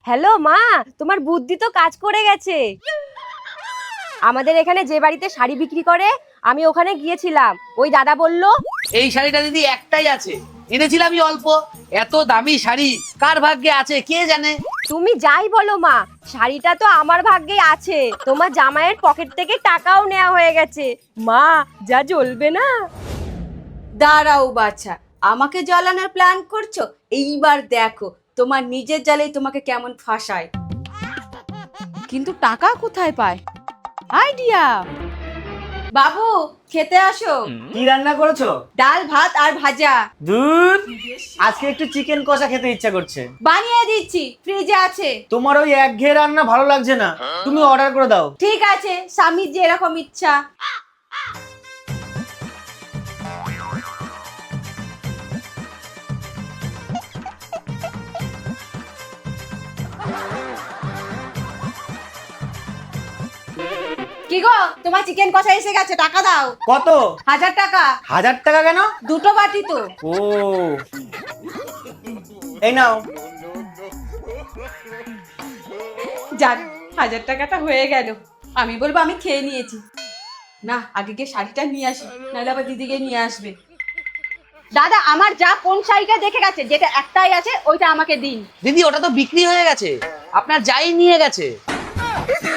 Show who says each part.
Speaker 1: Hello মা, তোমার বুদ্ধি তো কাজ করে গেছে। আমাদের এখানে যে বাড়িতে শাড়ি বিক্রি করে আমি ওখানে গিয়েছিলাম, ওই দাদা বলল
Speaker 2: এই শাড়িটা দিদি একটাই আছে, এনেছিলামই অল্প। এত দামি শাড়ি কার ভাগ্যে আছে কে জানে।
Speaker 1: তুমি যাই বলো মা, শাড়িটা তো আমার ভাগ্যেই আছে। তোমার জামাইয়ের পকেট থেকে টাকাও নেওয়া হয়ে গেছে। মা, যা জ্বলবে না।
Speaker 3: দাঁড়াও বাছা, আমাকে জ্বালানোর প্ল্যান করছো? এইবার দেখো তোমার নিজের জালেই তোমাকে কেমন ফাঁসায়। কিন্তু টাকা কোথায় পায়? আইডিয়া! বাবু, খেতে আসো।
Speaker 4: কি রান্না করেছো?
Speaker 3: ডাল, ভাত আর ভাজা।
Speaker 4: দুধ, আজকে একটু চিকেন কষা খেতে ইচ্ছা করছে।
Speaker 3: বানিয়ে দিচ্ছি, ফ্রিজে আছে।
Speaker 4: তোমার ওই একঘেয়ে রান্না ভালো লাগছে না, তুমি অর্ডার করে দাও।
Speaker 3: ঠিক আছে, স্বামীর যে এরকম ইচ্ছা। কি গো, তোমার চিকেন কষা এসে গেছে, টাকা দাও।
Speaker 4: কত?
Speaker 3: 1000 টাকা।
Speaker 4: 1000 টাকা কেন?
Speaker 3: দুটো বাটি তো।
Speaker 4: ও, এই নাও।
Speaker 3: যাক, 1000 টাকাটা হয়ে গেল। আমি বলবো আমি খেয়ে নিয়েছি। না, আগে গিয়ে শাড়িটা নিয়ে আসি, নাহলে আবার দিদিকে নিয়ে আসবে। দাদা, আমার যা কোন শাড়িটা দেখে গেছে, যেটা একটাই আছে ওইটা আমাকে দিন।
Speaker 2: দিদি ওটা তো বিক্রি হয়ে গেছে, আপনার যাই নিয়ে গেছে।